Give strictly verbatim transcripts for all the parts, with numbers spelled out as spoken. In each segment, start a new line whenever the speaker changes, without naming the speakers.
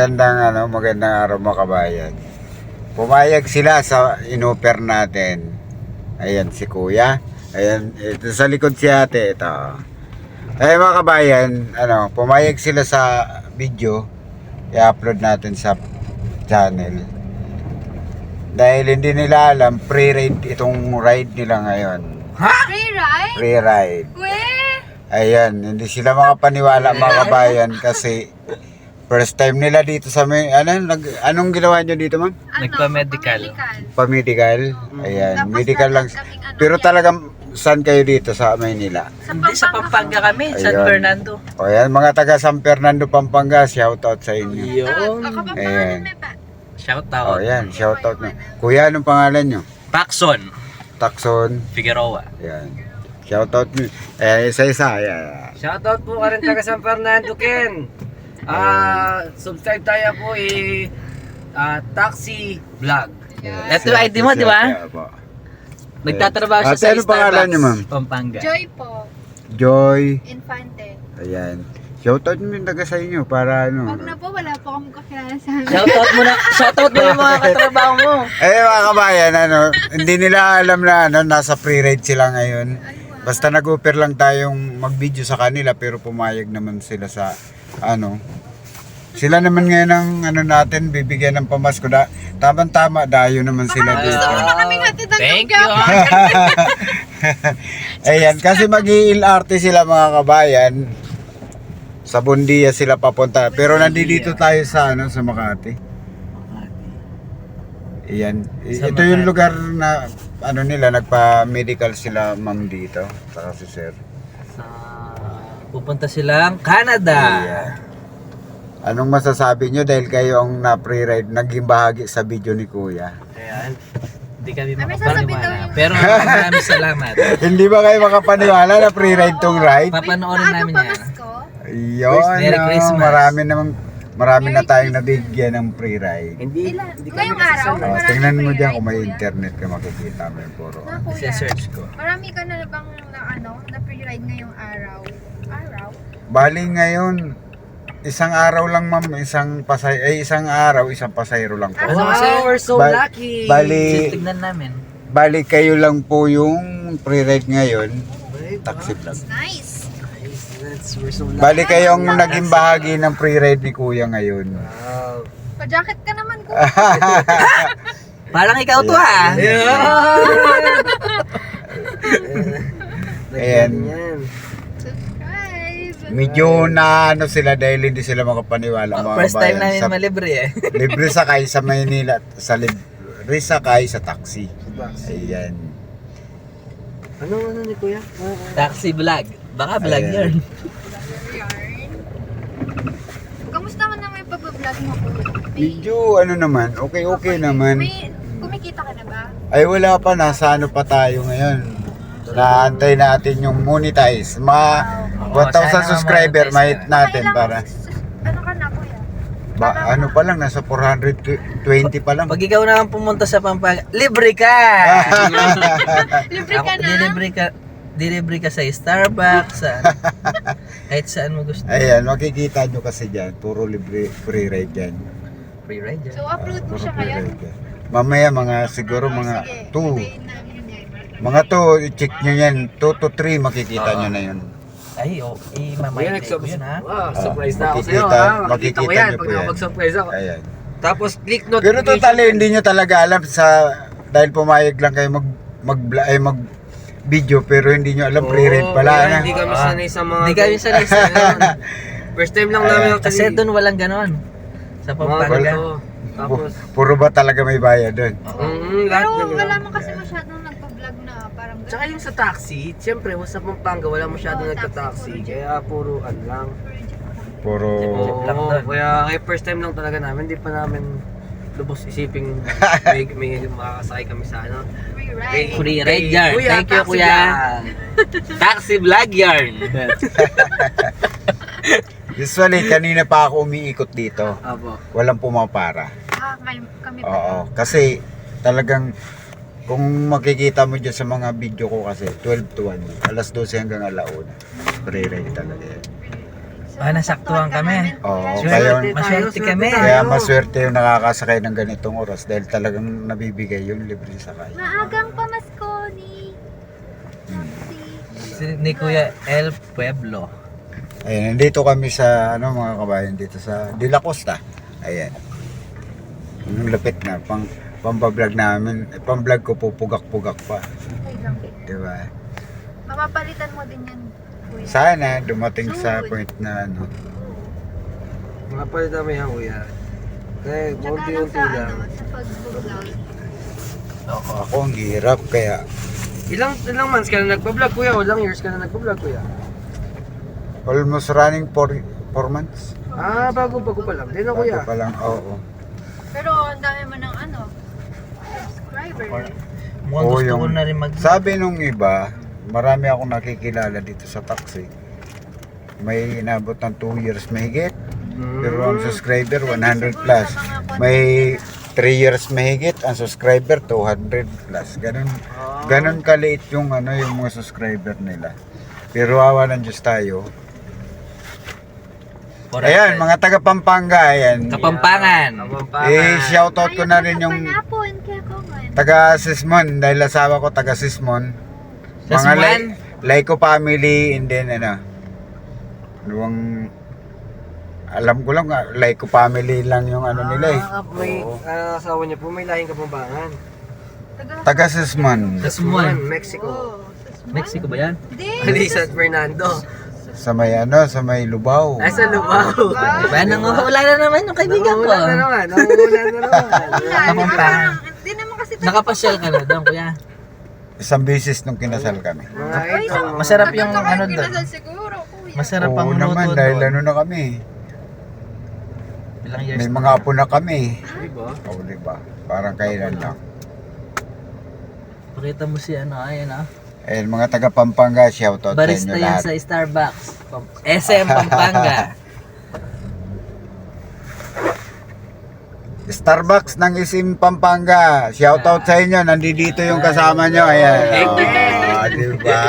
Magandang ano, magandang araw mga kabayan. Pumayag sila sa inoper natin. Ayan si Kuya. Ayan, ito sa likod si Ate ito. Ay mga kabayan, ano, pumayag sila sa video. I-upload natin sa channel. Dahil hindi nila alam, pre-ride itong ride nila ngayon.
Ha? Free ride?
Free ride.
Weh?
Ayan, hindi sila makapaniwala mga kabayan kasi first time nila dito sa may, ano, nag, anong ginawa nyo dito ma'am?
Ano?
Nagpa-medical.
Pa-medical? Ayan,
Tapos
medical lang.
kaming ano,
Pero
yan.
talagang saan kayo dito sa Maynila?
Hindi, sa Pampanga kami, San
Ayun.
Fernando.
O yan, mga taga San Fernando, Pampanga, shout out sa inyo.
Yun.
Ako pa
Ayan.
may pa.
Shout
O
out.
yan, shout out na. Kuya, anong pangalan nyo?
Paxson
Takson.
Figueroa.
Ayan. Shout out nyo. Ayan, isa-isa. Ayan.
Shoutout po ka rin taga San Fernando, Ken. Ah, subscribe tayo po eh ah, Taxi Vlog.
Ito yung I D mo, di ba?
Ayan po.
Nagtatrabaho siya
Ate,
sa
ano pangalan
Starbucks,
niyo, ma'am?
Pampanga.
Joy po.
Joy.
Infante.
Ayan. Shout out nyo yung taga sa inyo para ano.
Wag na po, wala po akong kakilala sa amin.
Shout out mo na, shout out mo yung mga katrabaho mo.
Eh mga kabayan, ano, hindi nila alam na ano, nasa pre-ride sila ngayon. Basta nag-offer lang tayong mag-video sa kanila pero pumayag naman sila sa ano. Sila naman ngayon ang ano natin, bibigyan ng pamasko. Da, tamang-tama, dayo naman sila dito.
Gusto mo na kaming hatid ng
Thank
lugar.
you.
Ayan, kasi mag-i-L R T sila mga kabayan. Sa Bundia sila papunta. Pero nandito tayo sa ano sa Makati. Ayan. I-
Sa
Ito yung
Makati.
lugar na ano nila nagpa-medical sila ma'am dito. Saka si sir.
Sa, pupunta silang Canada.
Ayan. Anong masasabi nyo dahil kayo ang na-pre-ride naging bahagi sa video ni Kuya?
Ayan. Hindi kami
Ay, may sasabihin daw
makapaniwala.
yung-
Pero maraming salamat.
Hindi ba kayo makapaniwala na pre-ride tong ride?
Papanoorin namin yan.
Pamasko?
Yun,
Merry
no,
Christmas.
marami namang marami na
Merry
tayong nabigyan ng pre-ride.
Hindi,
Ilan?
hindi kami
Ngayong araw?
kasasama.
Oh,
Marami
tingnan mo
free
diyan
ride,
kung may
Kuya.
internet ka makikita mo yung puro.
Na, kuya.
Isa-search ko.
Marami ka na bang na ano, na free ride ngayong araw? Araw?
Bali ngayon, isang araw lang ma'am, isang pasay ay isang araw, isang pasayro lang po.
Ano
Wow,
kasi?
we're so
Ba-
lucky.
Bali,
Tignan namin.
bali kayo lang po yung pre-ride ngayon, taxi vlog.
Nice.
That's, we're so lucky.
Bali kayong naging bahagi ng pre-ride ni Kuya ngayon.
Wow.
Pa-jacket ka naman ko.
Parang ikaw to ha.
Ayan.
Yan.
Subscribe.
Medyo na ano sila dahil hindi sila makapaniwala mga
First time
kabayan.
namin
Sa-
malibre eh.
Libre sakay sa Maynila, sa libre sakay sa taxi. Ayan.
Ano ano ni Kuya? Ah,
Taxi vlog. Baka vlog
Ayan.
yun.
Yarn. Kamusta man naman yung pag-vlog mo ko?
Medyo ano naman, okay okay naman.
May kumikita ka na ba?
Ay wala pa, nasa ano pa tayo ngayon. Naantay natin yung monetize. Mga
Oo,
one thousand
sana
subscriber
ma-monetize
mahit
ka.
natin
Kailangan
para.
sus- Ano ka na kuya?
Ba, ano pa lang, nasa four hundred twenty pa lang.
Pag ikaw naman pumunta sa Pampanga, libre ka!
Libre
Ako,
ka na?
dilibre ka, dilibre ka sa Starbucks, sa kahit saan mo gusto.
Ayan, makikita nyo kasi dyan, puro libre free ride dyan.
Free ride dyan.
So upload mo
Puro
siya
free
ngayon?
ride dyan. Mamaya mga siguro mga
Sige,
two.
hintayin namin yan.
Mga two, i-check nyo yan. two to three makikita
Oo.
nyo na yun.
Ay, oh, eh,
Kuya,
mamaya ko
nag-sub-
yun ha.
Wow, surprise na ako
makikita-
sa'yo ha.
makikita
Makikita mo yan
niyo
pag
po yan.
nakapag-surprise ako.
Ayan.
Tapos click
Pero
notification.
totally hindi nyo talaga alam sa dahil pumayag lang kayo mag mag ay mag video pero hindi nyo alam
Oo,
pre-ride pala
kaya
na.
Hindi kami
Ah.
sanay sa mga...
Hindi kami sanay sa ganun.
First time lang namin
Ayan.
Kasi doon walang ganon. Sa
Mga
Pampanga.
ganito. Tapos...
Pu- Puro ba talaga may bayad doon?
Mm, lahat
Pero
na
wala mo kasi masyadong nagpa-vlog na parang
Tsaka yung sa taxi, siyempre sa Pampanga wala masyado
Oo,
nagka-taxi.
taxi,
Kaya puro ano lang.
Puro
Oo,
lang doon.
kaya kaya first time lang talaga namin, hindi pa namin lubos isiping may, may makakasakay kami sa ano.
free ride.
Free ride yarn.
Kuya,
Thank you,
taxi
kuya.
vlog.
Taxi vlog yarn.
usually kanina pa ako umiikot dito.
Apo.
Walang pumapara.
Ah, may, kami pa.
Oo, kasi talagang kung makikita mo dyan sa mga video ko kasi twelve to one, alas dose hanggang alauna. Pre-ride talaga yan.
So,
Ah, nasaktuhan kami.
Oo,
Sure.
kaya,
Maswerte kami.
kaya maswerte yung nakakasakay ng ganitong oras dahil talagang nabibigay yung libre sakay.
Maagang pamasko ni Taxi.
Si, ni Kuya El Pueblo.
Ayan, nandito kami sa, ano mga kabayan, dito sa De La Costa. Ayan. Yung lapit na, pang, pambablog namin, eh, pamblog ko pupugak-pugak pa.
Okay lang.
Diba?
Mapapalitan mo din yan, kuya.
Sana dumating sa point na ano.
Mga palita mo yan, kuya. Kaya,
Tsaka lang
unti-unti
sa,
lang.
ano, sa pag-vlog.
Ako, ako ang hirap kaya
Ilang ilang months ka na nagpa-vlog, kuya? O ilang years ka na nagpa-vlog, kuya?
almost running for four months.
Ah, bago-bago pa lang. Di na, kuya.
Bago pa lang, oo.
Pero ang dami mo ng ano, subscriber.
Mukhang
Oo,
gusto ko
yung-
na rin mag...
Sabi nung iba, marami akong nakikilala dito sa taxi. May inabot ng two years mahigit.
Mm.
Pero ang subscriber one hundred plus. May three years mahigit, ang subscriber two hundred plus. Ganun, ganun kaliit yung ano yung mga subscriber nila. Pero awa ng Diyos tayo. Ayan, mga taga Pampanga, ayan.
Kapampangan.
Kapampangan.
Eh, shoutout ko na rin yung
Panapon, kaya ko man.
taga Sismon, dahil asawa ko taga Sismon. Mga
Sismon?
Lai- Laiko family, and then ano, luwang, alam ko lang, ah, Laiko family lang yung ano nila eh.
Ah, may
Oo.
ah, asawa niya po, may lahing Kapampangan.
Taga Sismon,
Sismon.
Mexico.
Oh, sus-
Mexico ba yan?
Hindi.
Ali San Fernando.
sa may ano, sa may Lubao.
Ay, sa Lubao.
Ba, nanguhula na naman yung kaibigan ko.
Nanguhula na naman. Nanguhula na naman.
Kapampangan.
Hindi naman kasi tayo.
Nakapasyal ka na doon, kuya.
Isang beses nung kinasal kami.
Mga
Ay,
ito.
sa-
Masarap yung
tagal ka
ano
kayo
doon.
kinasal siguro, kuya.
Masarap ang
Oo
luto
naman,
doon.
dahil ano na kami.
Ilang years
May
na.
mga apo na kami.
Diba?
Oo, diba? Parang kailan lang.
Pakita mo si ano, ayan ah.
Ayun, mga taga Pampanga, shoutout sa
Barista
inyo
yan
lahat.
sa Starbucks. S M Pampanga.
Starbucks ng Isim Pampanga. Shoutout sa inyo. Nandito yung kasama nyo. Ayan. Oh, diba?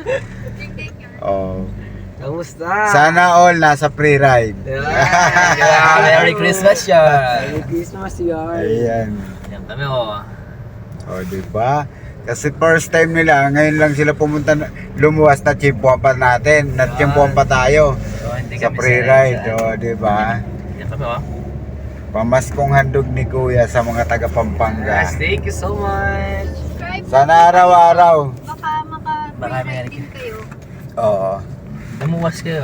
Oh.
Kamusta?
Sana all nasa free ride.
Yeah, Merry Christmas siya.
Merry Christmas, yar.
Ayan.
Yan kami oh.
Oh, diba? Kasi first time nila, ngayon lang sila pumunta, na- lumuwas na chimpuan pa natin. Natchimpuan pa tayo
So, hindi
sa
kami
free
sanay
ride.
sa-
Oh, diba?
Yan kami oh.
Pamaskong handog ni Kuya sa mga taga Pampanga.
Yes, thank you so much.
Subscribe.
Sana araw-araw.
Baka
Baka
maka-free
may-
din kayo.
Oo.
Lumuwas kayo.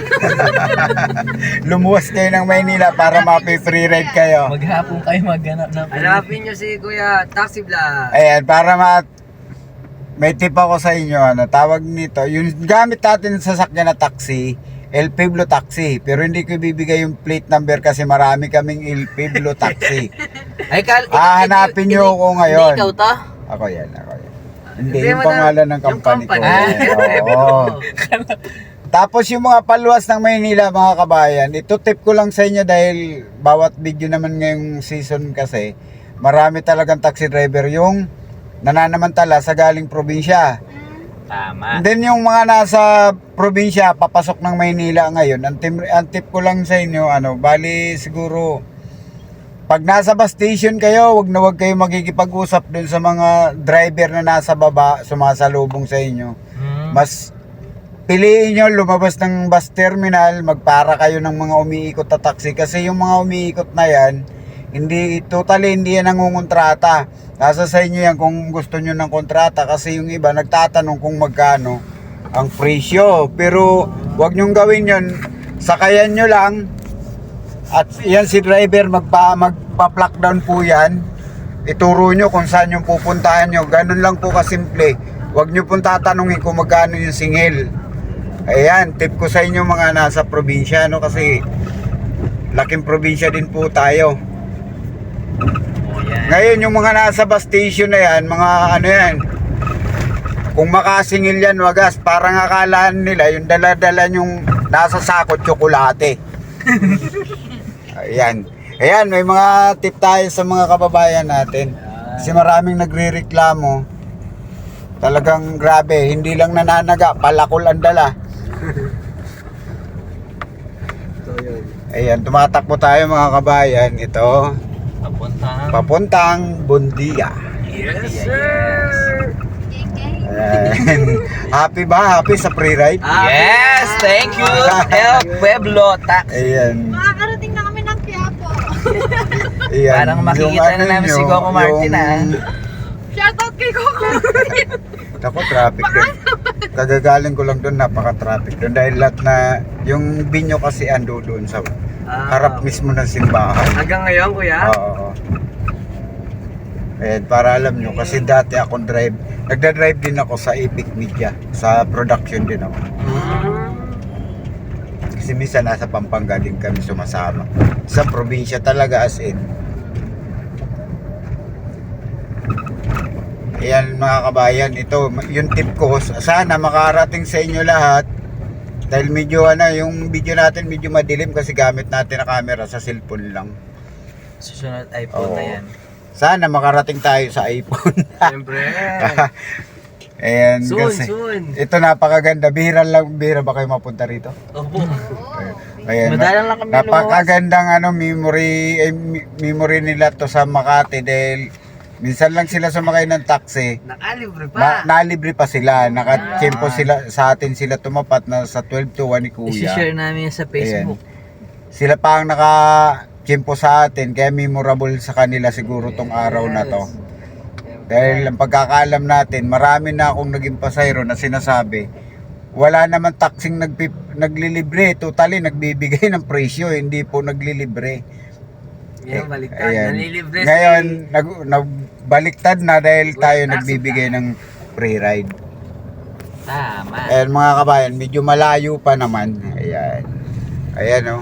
Lumuwas kayo ng Maynila para mapi-free ride kayo.
Maghapon kayo maghanap ng...
Hanapin niyo si Kuya Taxi Vlog.
Ayan, para ma... May tip ako sa inyo, ano, tawag nito, yung gamit natin sa sasakyan na taxi, El Pueblo Taxi. Pero hindi ko ibibigay yung plate number kasi marami kaming El Pueblo Taxi.
Ay, kal...
Ah, hanapin nyo ako ngayon.
Hindi ikaw to?
Ako yan, ako yan. Hindi,
Hindi,
yung
madam-
pangalan ng
yung
company ko.
company.
Yan, oo. Tapos yung mga paluwas ng Maynila, mga kabayan, ito tip ko lang sa inyo dahil bawat video naman ngayong season kasi, marami talagang taxi driver yung nananamantala sa galing probinsya.
Tama.
And then yung mga nasa probinsya, papasok ng Maynila ngayon, ang, tim, ang tip ko lang sa inyo, ano, bali siguro, pag nasa bus station kayo, wag na wag kayo magkikipag-usap dun sa mga driver na nasa baba, sumasalubong sa inyo.
Hmm.
Mas piliin nyo lumabas ng bus terminal, magpara kayo ng mga umiikot na taxi kasi yung mga umiikot na yan, hindi, totally hindi yan nangungontrata. Nasa sa inyo yan kung gusto nyo ng kontrata kasi yung iba nagtatanong kung magkano ang presyo. Pero wag nyong gawin yun, sakayan nyo lang at yan si driver magpa, magpa-plug down po yan. Ituro nyo kung saan yung pupuntahan nyo. Ganun lang po kasimple. Wag nyo pong tatanungin kung magkano yung singil. Ayan, tip ko sa inyo mga nasa probinsya, no? Kasi laking probinsya din po tayo.
Oh, yan.
Ngayon, yung mga nasa bus station na yan, mga ano yan, kung makasingil yan, wagas, parang akalaan nila, yung dala-dala yung nasa sako, tsokolate. Ayan. Ayan, may mga tip tayo sa mga kababayan natin. Kasi maraming nagre-reklamo. Talagang grabe, hindi lang nananaga, palakol ang dala.
yun.
Ayan, tumatakbo tayo mga kabayan. Ito,
Papunta.
papuntang Bundia.
Yes, sir!
K K.
Ayan. Happy ba? Happy sa pre-ride?
Yes, thank you, El Pueblo Tax.
Ayan.
Makakarating na kami ng Quiapo.
Ayan.
Parang makikita
Yung
na namin
nyo,
si Coco Martin,
yung-
ah.
Shoutout kay Coco.
Ako, traffic doon. Kagagaling ko lang doon, napaka-traffic doon. Dahil lahat na, yung binyo kasi ando doon sa
Ah,
harap mismo ng simbahan.
Hanggang ngayon, kuya?
Oo. oo. Ayan, para alam nyo, kasi dati akong drive, nagda-drive din ako sa Epic Media, sa production din ako.
Hmm.
Kasi minsan nasa Pampanga din kami sumasama. Sa probinsya talaga as in. Ayan mga kabayan, ito yung tip ko, sana makarating sa inyo lahat. Dahil medyo ano, yung video natin medyo madilim kasi gamit natin na camera sa cellphone lang.
Susunod iPhone na
Oo.
yan.
Sana makarating tayo sa iPhone.
Siyempre.
Ayan,
Soon,
kasi
soon.
ito napakaganda. Bihira lang, bihira ba kayo mapunta rito?
Opo.
Ayan,
Madalang lang kami
napakagandang ano, memory, eh, mi- memory nila to sa Makati dahil minsan lang sila sumakay ng taxi.
Nakalibre pa.
Na, nalibre pa sila, nakatiyempo sila, sa atin sila tumapat na sa twelve to one ni Kuya.
I-share namin yan sa Facebook.
Sila pa ang naka-tiyempo sa atin, kaya memorable sa kanila siguro tong araw na to. Dahil ang pagkakaalam natin, marami na akong naging pasayro na sinasabi, wala naman taxing nagpi- naglilibre, totally nagbibigay ng presyo, hindi po naglilibre.
Yan, baliktad.
Ayan.
Nanilibre si...
Ngayon, nag, nagbaliktad na dahil tayo
Taxi
nagbibigay ng free ride.
Tama.
Ayan mga kabayan, medyo malayo pa naman. Ayan. Ayan oh.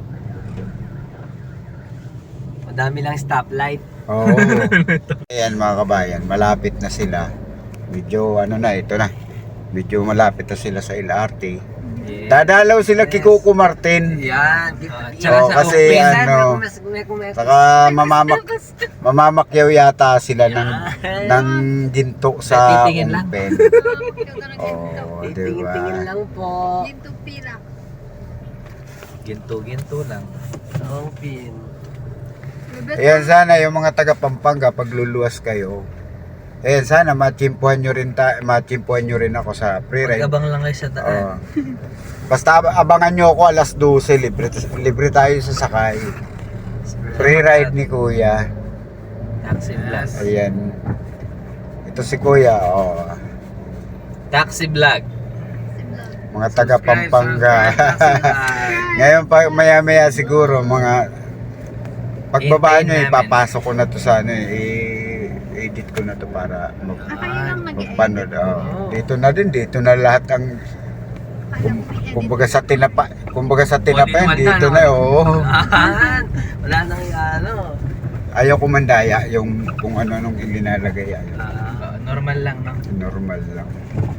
Madami lang stoplight.
Oo. Ayan mga kabayan, malapit na sila. Medyo ano na, ito na. Medyo malapit na sila sa L R T.
Yeah.
Dadalaw sila kay Coco Martin.
Yan.
Ah,
Yan.
tsaka
Oo,
sa
kasi
open.
ano, saka mamamak mamamakyaw yata sila ng ng ginto sa
Titingin lang.
open. Oo, di
Tingin-tingin
ba?
lang po.
Yung tupila.
Ginto-ginto lang.
Open.
Ayan, sana yung mga taga Pampanga pagluluwas kayo. Ayan, sana machimpuhan nyo rin ta machimpuhan nyo rin ako sa pre-ride.
Pag-abang lang kayo sa
Oo.
daan.
Basta ab- abangan nyo ako alas dose, libre, libre tayo sa sakay. Free ride ni Kuya.
Taxi vlog.
Ayan. Ito si Kuya, oh.
Taxi vlog.
Mga taga
Subscribe,
Pampanga.
subscribe, subscribe.
Ngayon pa maya maya siguro mga pagbaba
Hintayin
nyo,
namin.
ipapasok ko na to sa ano eh, i-edit ko na to para mag
Ah, kayo lang nag-edit.
magpanood. Oh. Dito na din, dito na lahat ang kum, kumbaga sa tinapa, kumbaga sa tinapa
All in one
dito
na,
na,
no?
oh.
Ah, wala nang ano.
Ayaw ko mandaya yung kung ano nung ilinalagay ayaw.
Ah,
Uh, normal lang, no?
Normal lang.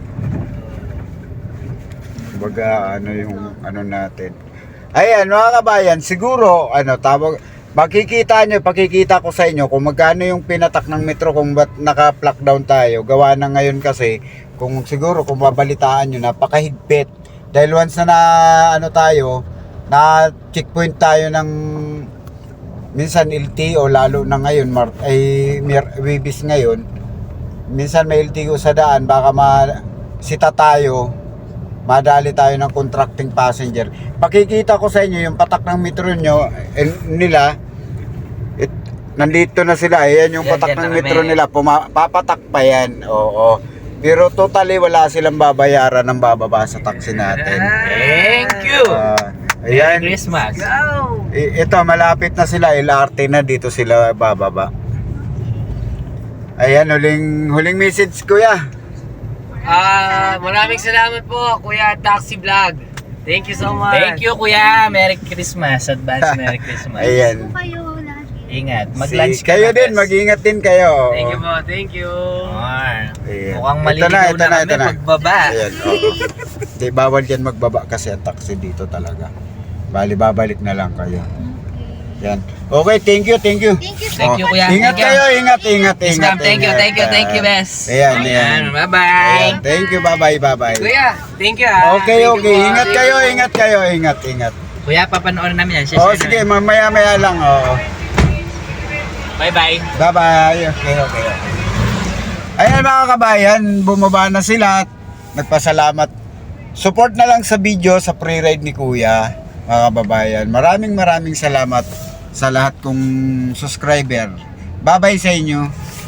Kumbaga ano yung ano natin. Ayan mga kabayan, siguro ano tawag makikita nyo, pakikita ko sa inyo kung magkano yung pinatak ng metro kung ba't naka-lock down tayo. Gawa na ngayon kasi kung siguro kung babalitaan nyo napakahigpit. Dahil once na, na ano tayo, na checkpoint tayo ng minsan L T O lalo na ngayon mar, ay Mir- Wibis ngayon. Minsan may L T O sa daan baka masita tayo, madali tayo ng contracting passenger. Pakikita ko sa inyo yung patak ng metro nyo eh, nila. It, nandito na sila. Ayan yung
Yan,
patak
yan
ng
na
metro
kami.
nila. Puma, papatak pa yan. Oo. Pero totally wala silang babayaran ng bababa sa taxi natin.
Thank you!
Ah,
Merry
ayan.
Christmas!
go!
I- ito malapit na sila. L R T na dito sila bababa. Ayan, huling huling message kuya.
Ah, maraming salamat po, Kuya Taxi Vlog. Thank you so much.
Thank you, Kuya! Merry Christmas! Advance Merry Christmas!
Ayan.
Po kayo lagi.
Ingat.
Si,
Mag-lunch ka
kayo
na,
din,
guys.
mag-ingat din kayo.
Thank you po, thank you.
Or,
Ayan.
mukhang
Ito
maliligaw
na, ito
na,
na,
kami
ito na.
pagbaba.
Ayan, oo. Di, bawal yan magbaba kasi ang taxi dito talaga. Bali, babalik na lang kayo. Yan. Okay, thank you, thank you.
Thank you.
Thank you, Kuya.
Ingat
Thank you.
kayo, ingat, ingat,
Yes,
ingat.
ma'am. Thank you,
ingat.
thank you, thank you,
Ah,
best.
Ayan, ayan.
Bye-bye.
Ayan, thank you, bye-bye, bye-bye.
Kuya, thank you ah.
Okay,
Thank you
okay.
po.
Ingat
Thank
kayo,
you po.
ingat kayo, ingat, ingat.
Kuya, papanoorin namin yan. Share
Oh, sige, mamaya-maya lang. Oh.
Bye-bye.
Bye-bye. Okay, okay, okay. Ayan mga kabayan, bumaba na sila. Nagpasalamat. Support na lang sa video sa pre-ride ni Kuya, mga kababayan. Maraming maraming salamat sa lahat kong subscriber. Bye-bye sa inyo.